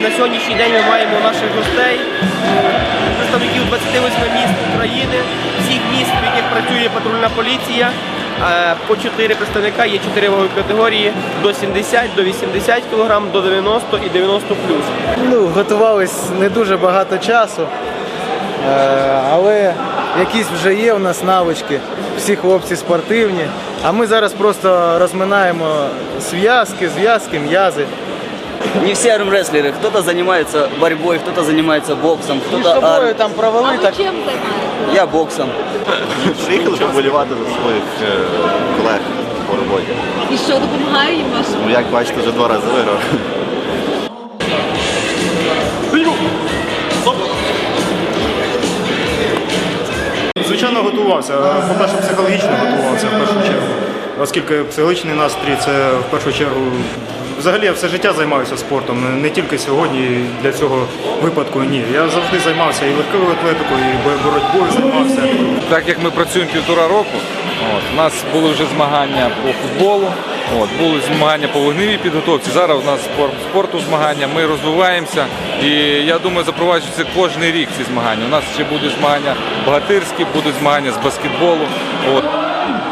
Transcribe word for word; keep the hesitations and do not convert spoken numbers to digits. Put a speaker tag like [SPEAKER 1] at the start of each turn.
[SPEAKER 1] На сьогоднішній день ми маємо наших гостей, представників двадцяти восьми міст України, всіх міст, в яких працює патрульна поліція. По чотири представника, є чотири вагові категорії до сімдесят, до вісімдесят кілограм, до дев'яносто і дев'яносто плюс.
[SPEAKER 2] Ну, готувались не дуже багато часу, але якісь вже є у нас навички, всі хлопці спортивні, а ми зараз просто розминаємо зв'язки, зв'язки, м'язи.
[SPEAKER 3] Не все армрестлеры, кто-то занимается борьбой, кто-то занимается боксом,
[SPEAKER 2] Між
[SPEAKER 3] кто-то
[SPEAKER 2] собою
[SPEAKER 3] ар...
[SPEAKER 2] там провели,
[SPEAKER 4] А ви
[SPEAKER 2] так
[SPEAKER 4] чим займаєтесь?
[SPEAKER 3] Я боксом.
[SPEAKER 5] Приїхали поболівати за своїх е, колег по роботі.
[SPEAKER 4] І що допомагає їм вашим?
[SPEAKER 5] Ну, як бачите, вже два рази виграв.
[SPEAKER 6] Звичайно, готувався. По-перше, психологічно готувався в першу чергу. Оскільки психологічний настрій – це в першу чергу. Взагалі я все життя займаюся спортом, не тільки сьогодні для цього випадку, ні. Я завжди займався і легкою атлетикою, і боротьбою займався.
[SPEAKER 7] Так як ми працюємо півтора року, от, у нас були вже змагання по футболу, от, були змагання по вогневій підготовці, зараз у нас спорт, спорту змагання, ми розвиваємося і я думаю запроваджується кожен рік ці змагання. У нас ще будуть змагання богатирські, будуть змагання з баскетболу. От.